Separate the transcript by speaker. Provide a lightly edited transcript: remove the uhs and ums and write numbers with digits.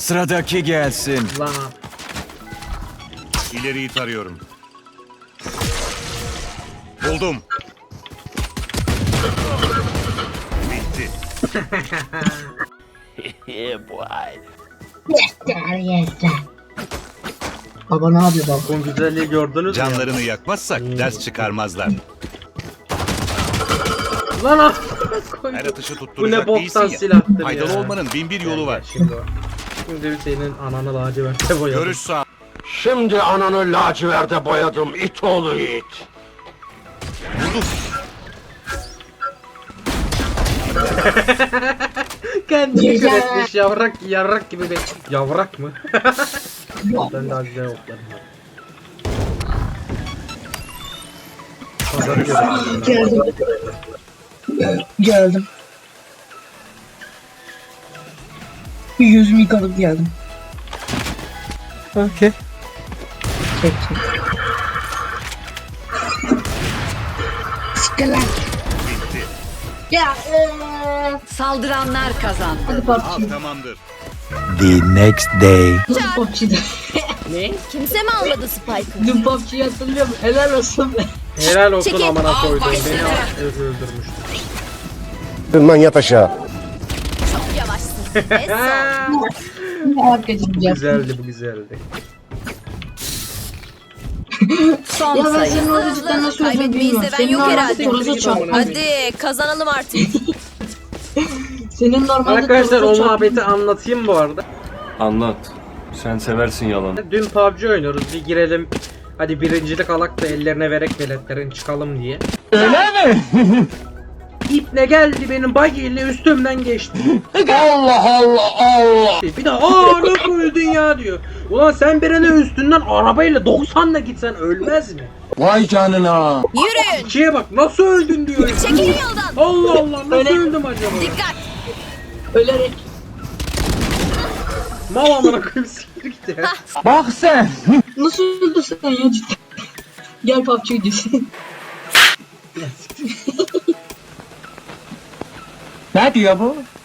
Speaker 1: Sıradaki gelsin.
Speaker 2: Lan.
Speaker 3: İleriyi tarıyorum. Buldum. Bitti.
Speaker 4: Yeter. Baba ne yapıyor baba?
Speaker 2: Bu güzelliği gördünüz mü?
Speaker 3: Canlarını yakmazsak ders çıkarmazlar.
Speaker 2: Lan ah!
Speaker 3: Her atışı
Speaker 2: Bu ne
Speaker 3: tutturacak
Speaker 2: boktan
Speaker 3: değilsin ya.
Speaker 2: silahtır ya.
Speaker 3: Faydalı olmanın bin bir yolu var.
Speaker 2: Şimdi o. Şimdi senin ananı laciverte boyadım.
Speaker 3: Görüş sağ.
Speaker 5: Şimdi ananı laciverde boyadım it oğlu it.
Speaker 3: Buldum.
Speaker 2: Kendini
Speaker 4: Güzel.
Speaker 2: üretmiş yavrak gibi bir... Yavrak mı? Ben daha güzel okladım. Pazarı görüyorum.
Speaker 4: Geldim. Geldim. Bir yüzümü yıkadıp geldim.
Speaker 6: Okey.
Speaker 4: Çek. Siktir lan.
Speaker 3: Bitti.
Speaker 4: Ya
Speaker 7: Saldıranlar kazandı.
Speaker 4: hadi
Speaker 3: Al
Speaker 4: PUBG.
Speaker 3: tamamdır.
Speaker 6: The next day.
Speaker 4: Hadi PUBG'de.
Speaker 7: Kimse mi almadı Spike'ı?
Speaker 4: Dün PUBG'yi hatırlıyor musun? Helal olsun be.
Speaker 2: Helal olsun
Speaker 7: Çekil.
Speaker 2: amına koydum.
Speaker 7: Al
Speaker 2: Beni
Speaker 7: başına.
Speaker 2: öldürmüştü.
Speaker 5: Lan yat aşağı.
Speaker 7: Çok yavaşsın. Es
Speaker 4: Ne arkadaşım ya.
Speaker 2: Güzeldi bu güzeldi.
Speaker 7: son
Speaker 4: Ya ben
Speaker 7: sayı.
Speaker 4: senin orada cidden nasıl olduğunu
Speaker 7: Kaybetmeyi
Speaker 4: bilmiyorum.
Speaker 7: seven
Speaker 4: Senin
Speaker 7: yok
Speaker 4: normalde
Speaker 7: herhalde.
Speaker 4: Toros'a çarpmaz.
Speaker 7: Hadi kazanalım artık.
Speaker 4: Senin normalde
Speaker 2: Arkadaşlar o
Speaker 4: Toros'a çarpmaz.
Speaker 2: muhabbeti anlatayım bu arada.
Speaker 8: Anlat. Sen seversin yalan.
Speaker 2: Dün PUBG oynuyoruz. Bir girelim. Hadi birincilik alak da ellerine verek veletlerin çıkalım diye. Öyle mi? İpne geldi benim bagiyle üstümden geçti.
Speaker 5: Allah Allah Allah.
Speaker 2: Bir de nasıl öldün ya diyor. Ulan sen birine üstünden arabayla 90'la gitsen ölmez mi?
Speaker 5: Vay canına.
Speaker 7: Yürüyün.
Speaker 2: İkiye bak nasıl öldün diyor.
Speaker 7: Çekilin yoldan.
Speaker 2: Allah Allah nasıl
Speaker 4: Öyle-
Speaker 2: öldüm acaba?
Speaker 7: Dikkat.
Speaker 4: Ölerek.
Speaker 2: Mal amına koyayım siktir git ya.
Speaker 6: Bak sen.
Speaker 4: Nasıl öldün sen ya cidden? Gel PUBG videosu.
Speaker 6: Ne diyor bu?